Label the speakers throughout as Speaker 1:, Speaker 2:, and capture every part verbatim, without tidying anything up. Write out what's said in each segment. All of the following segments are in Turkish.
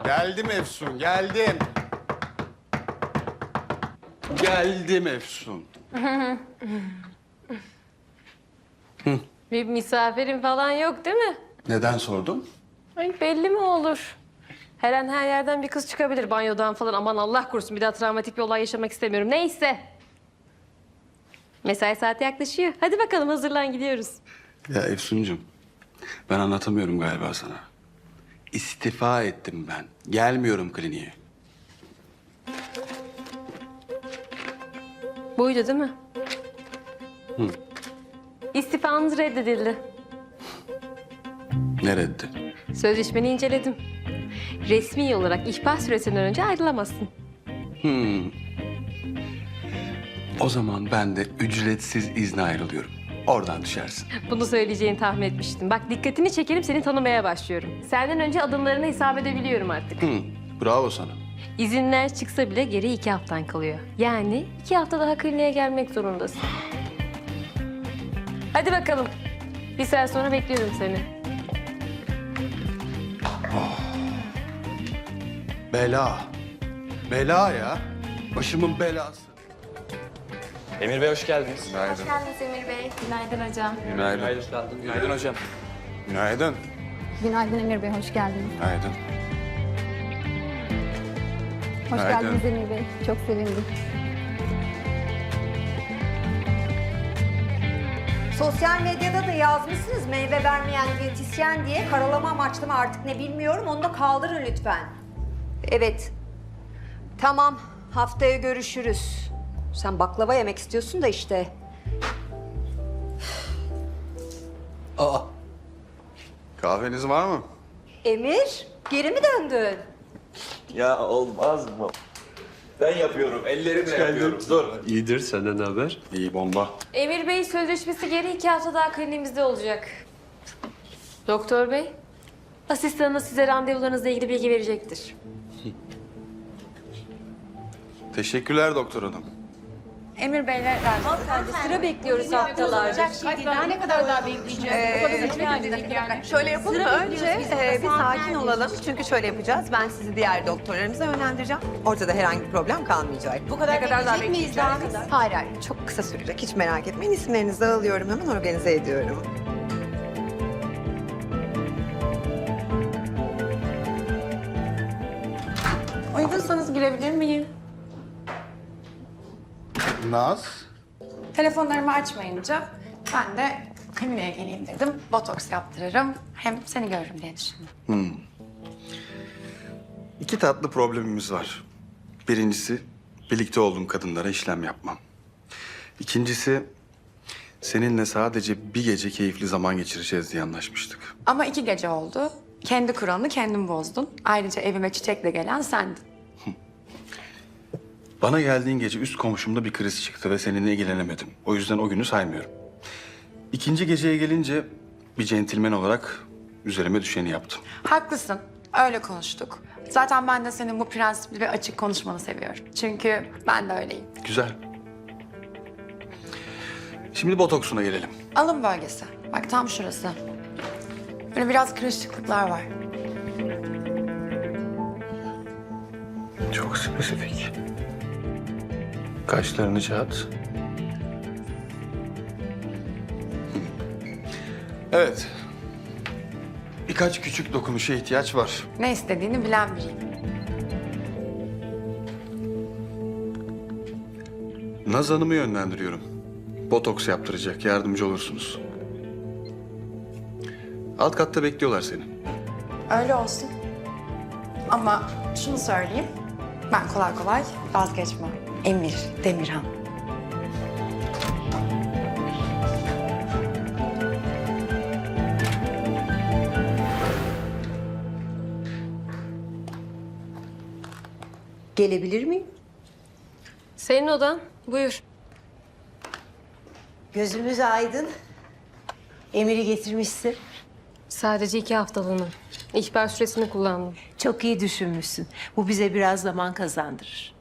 Speaker 1: Geldim Efsun, geldim. Geldim Efsun.
Speaker 2: Bir misafirin falan yok değil mi?
Speaker 1: Neden sordun?
Speaker 2: Ay belli mi olur? Her an her yerden bir kız çıkabilir banyodan falan. Aman Allah korusun bir daha travmatik bir olay yaşamak istemiyorum. Neyse. Mesai saati yaklaşıyor. Hadi bakalım hazırlan gidiyoruz.
Speaker 1: Ya Efsuncuğum, ben anlatamıyorum galiba sana. İstifa ettim ben. Gelmiyorum kliniğe.
Speaker 2: Buydu değil mi?
Speaker 1: Hı.
Speaker 2: İstifanız reddedildi.
Speaker 1: Ne reddi?
Speaker 2: Sözleşmeni inceledim. Resmi olarak ihbar süresinden önce ayrılamazsın.
Speaker 1: Hmm. O zaman ben de ücretsiz izne ayrılıyorum. Oradan düşersin.
Speaker 2: Bunu söyleyeceğini tahmin etmiştim. Bak dikkatini çekerim seni tanımaya başlıyorum. Senden önce adımlarını hesap edebiliyorum artık.
Speaker 1: Hı. Bravo sana.
Speaker 2: İzinler çıksa bile geri iki haftan kalıyor. Yani iki hafta daha kliniğe gelmek zorundasın. Hadi bakalım. Bir saat sonra bekliyorum seni.
Speaker 1: Bela. Bela ya. Başımın belası.
Speaker 3: Emir Bey hoş geldiniz.
Speaker 1: Günaydın.
Speaker 4: Hoş geldiniz Emir Bey. Günaydın hocam.
Speaker 1: Günaydın.
Speaker 3: Hoş geldin. Günaydın hocam.
Speaker 1: Günaydın.
Speaker 4: Günaydın Emir Bey, hoş geldiniz.
Speaker 1: Günaydın.
Speaker 4: Hoş
Speaker 1: Günaydın.
Speaker 4: geldiniz Emir Bey. Çok sevindim.
Speaker 5: Sosyal medyada da yazmışsınız meyve vermeyen diyetisyen diye. Karalama amaçlı mı artık ne bilmiyorum. Onu da kaldırın lütfen. Evet. Tamam. Haftaya görüşürüz. Sen baklava yemek istiyorsun da işte.
Speaker 1: Aa. Kahveniz var mı?
Speaker 5: Emir, geri mi döndün?
Speaker 3: Ya olmaz mı? Ben yapıyorum, ellerimle yapıyorum. Dur.
Speaker 6: İyidir, senden ne haber?
Speaker 1: İyi bomba.
Speaker 2: Emir Bey sözleşmesi geri iki hafta daha kliniğimizde olacak. Doktor Bey, asistanınız size randevularınızla ilgili bilgi verecektir.
Speaker 1: Teşekkürler doktor hanım.
Speaker 5: Emir Bey'le Hanımefendi sıra bekliyoruz haftalarca.
Speaker 7: Daha ne kadar daha bekleyeceğiz? Şöyle yapalım mı? Önce e, bir sakin olalım. Çünkü şöyle yapacağız. Ben sizi diğer doktorlarımıza yönlendireceğim. Ortada herhangi bir problem kalmayacak. Bu kadar, ne kadar daha bekleyeceğiz? Hayır hayır. Çok kısa sürecek. Hiç merak etmeyin. İsimlerinizi alıyorum. Hemen organize ediyorum.
Speaker 8: Uygunsanız girebilir miyim?
Speaker 1: Naz.
Speaker 8: Telefonlarımı açmayınca ben de kliniğe geleyim dedim. Botoks yaptırırım. Hem seni görürüm diye düşündüm.
Speaker 1: İki tatlı problemimiz var. Birincisi birlikte olduğum kadınlara işlem yapmam. İkincisi seninle sadece bir gece keyifli zaman geçireceğiz diye anlaşmıştık.
Speaker 8: Ama iki gece oldu. Kendi kuralını kendin bozdun. Ayrıca evime çiçekle gelen sendin.
Speaker 1: Bana geldiğin gece üst komşumda bir kriz çıktı ve seninle ilgilenemedim. O yüzden o günü saymıyorum. İkinci geceye gelince bir centilmen olarak üzerime düşeni yaptım.
Speaker 8: Haklısın. Öyle konuştuk. Zaten ben de senin bu prensipli ve açık konuşmanı seviyorum. Çünkü ben de öyleyim.
Speaker 1: Güzel. Şimdi botoksuna gelelim.
Speaker 8: Alın bölgesi. Bak tam şurası. Böyle biraz kırışıklıklar var.
Speaker 1: Çok spesifik. Kaşlarını çat. Evet. Birkaç küçük dokunuşa ihtiyaç var.
Speaker 8: Ne istediğini bilen biriyim.
Speaker 1: Naz Hanım'ı yönlendiriyorum. Botoks yaptıracak, yardımcı olursunuz. Alt katta bekliyorlar seni.
Speaker 8: Öyle olsun. Ama şunu söyleyeyim. Ben kolay kolay vazgeçmem. Emir Demirhan.
Speaker 5: Gelebilir miyim?
Speaker 2: Senin odan. Buyur.
Speaker 9: Gözümüz aydın. Emir'i getirmişsin.
Speaker 2: Sadece iki haftalığına. İhbar süresini kullandım.
Speaker 9: Çok iyi düşünmüşsün. Bu bize biraz zaman kazandırır.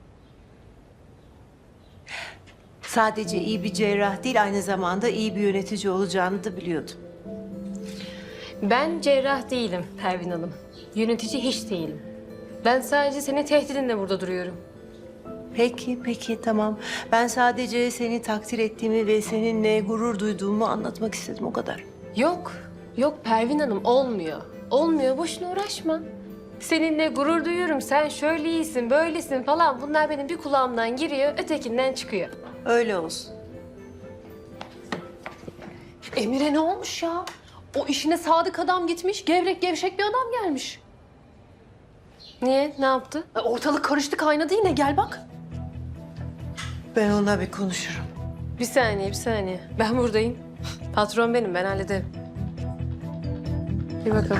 Speaker 9: Sadece iyi bir cerrah değil, aynı zamanda iyi bir yönetici olacağını da biliyordum.
Speaker 2: Ben cerrah değilim Pervin Hanım. Yönetici hiç değilim. Ben sadece senin tehdidinle burada duruyorum.
Speaker 9: Peki, peki tamam. Ben sadece seni takdir ettiğimi ve seninle gurur duyduğumu anlatmak istedim o kadar.
Speaker 2: Yok, yok Pervin Hanım olmuyor. Olmuyor, boşuna uğraşma. Seninle gurur duyuyorum, sen şöyle iyisin, böylesin falan. Bunlar benim bir kulağımdan giriyor, ötekinden çıkıyor.
Speaker 9: Öyle olsun.
Speaker 8: Emir'e ne olmuş ya? O işine sadık adam gitmiş, gevrek gevşek bir adam gelmiş.
Speaker 2: Niye, ne yaptı?
Speaker 8: E, Ortalık karıştı kaynadı yine, gel bak.
Speaker 9: Ben onunla bir konuşurum.
Speaker 2: Bir saniye, bir saniye. Ben buradayım. Patron benim, ben hallederim. Bir bakalım.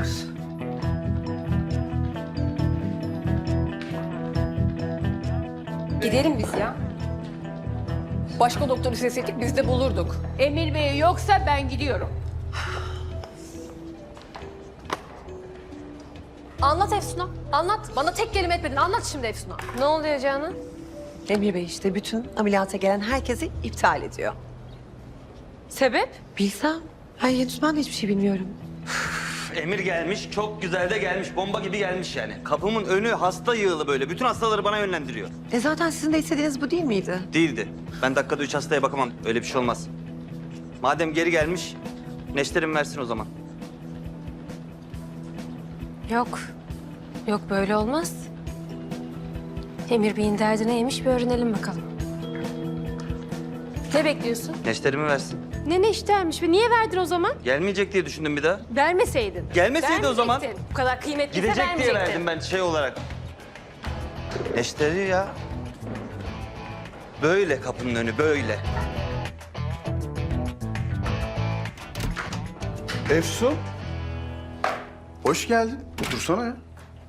Speaker 8: Gidelim biz ya. Başka doktor isteseydik biz de bulurduk. Emir Bey yoksa ben gidiyorum. Anlat Efsun'a, anlat. Bana tek kelime etmedin, anlat şimdi Efsun'a.
Speaker 2: Ne oluyor Canan?
Speaker 7: Emir Bey işte bütün ameliyata gelen herkesi iptal ediyor.
Speaker 2: Sebep?
Speaker 7: Bilsem. Ay henüz ben de hiçbir şey bilmiyorum.
Speaker 6: Emir gelmiş, çok güzel de gelmiş. Bomba gibi gelmiş yani. Kapımın önü hasta yığılı böyle. Bütün hastaları bana yönlendiriyor.
Speaker 7: E zaten sizin de istediğiniz bu değil miydi?
Speaker 6: Değildi. Ben dakikada üç hastaya bakamam. Öyle bir şey olmaz. Madem geri gelmiş, neşterim versin o zaman.
Speaker 2: Yok. Yok böyle olmaz. Emir Bey'in derdi neymiş bir öğrenelim bakalım. Ne bekliyorsun?
Speaker 6: Neşterimi versin.
Speaker 2: Ne ne işlermiş ve niye verdin o zaman?
Speaker 6: Gelmeyecek diye düşündüm bir daha.
Speaker 2: Vermeseydin.
Speaker 6: Gelmeseydi o zaman.
Speaker 2: Vermeyecektin. Bu kadar kıymetliyse
Speaker 6: Gidecek diye
Speaker 2: vermeyecektin.
Speaker 6: verdim ben şey olarak. Neşteri ya. Böyle kapının önü, böyle.
Speaker 1: Efsun. Hoş geldin. Otursana ya.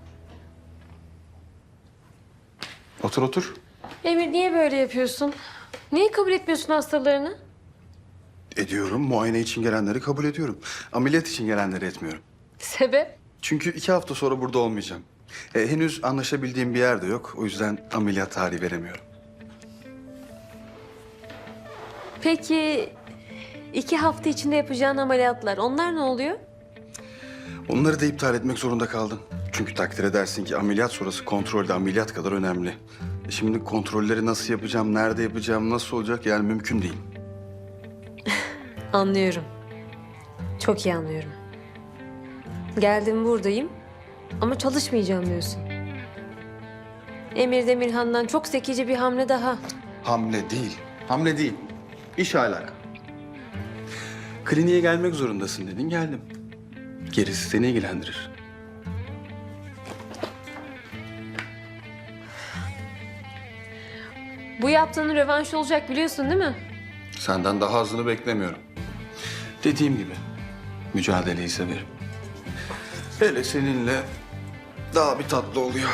Speaker 1: Otur otur.
Speaker 2: Emir niye böyle yapıyorsun? Niye kabul etmiyorsun hastalarını?
Speaker 1: Ediyorum. Muayene için gelenleri kabul ediyorum. Ameliyat için gelenleri etmiyorum.
Speaker 2: Sebep?
Speaker 1: Çünkü iki hafta sonra burada olmayacağım. E, henüz anlaşabildiğim bir yer de yok. O yüzden ameliyat tarihi veremiyorum.
Speaker 2: Peki iki hafta içinde yapacağın ameliyatlar onlar ne oluyor?
Speaker 1: Onları da iptal etmek zorunda kaldım. Çünkü takdir edersin ki ameliyat sonrası kontrol de ameliyat kadar önemli. E, şimdi kontrolleri nasıl yapacağım, nerede yapacağım, nasıl olacak yani mümkün değil.
Speaker 2: Anlıyorum. Çok iyi anlıyorum. Geldim buradayım ama çalışmayacağım diyorsun. Emir Demirhan'dan çok zekice bir hamle daha.
Speaker 1: Hamle değil. Hamle değil. İş alaka. Kliniğe gelmek zorundasın dedin, geldim. Gerisi seni ilgilendirir.
Speaker 2: Bu yaptığının rövanşı olacak biliyorsun değil mi?
Speaker 1: Senden daha azını beklemiyorum. Dediğim gibi mücadeleyi severim. Hele seninle daha bir tatlı oluyor.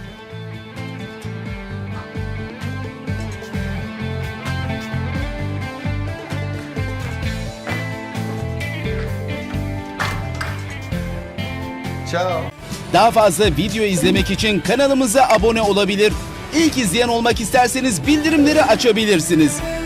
Speaker 1: Ciao.
Speaker 10: Daha fazla video izlemek için kanalımıza abone olabilir. İlk izleyen olmak isterseniz bildirimleri açabilirsiniz.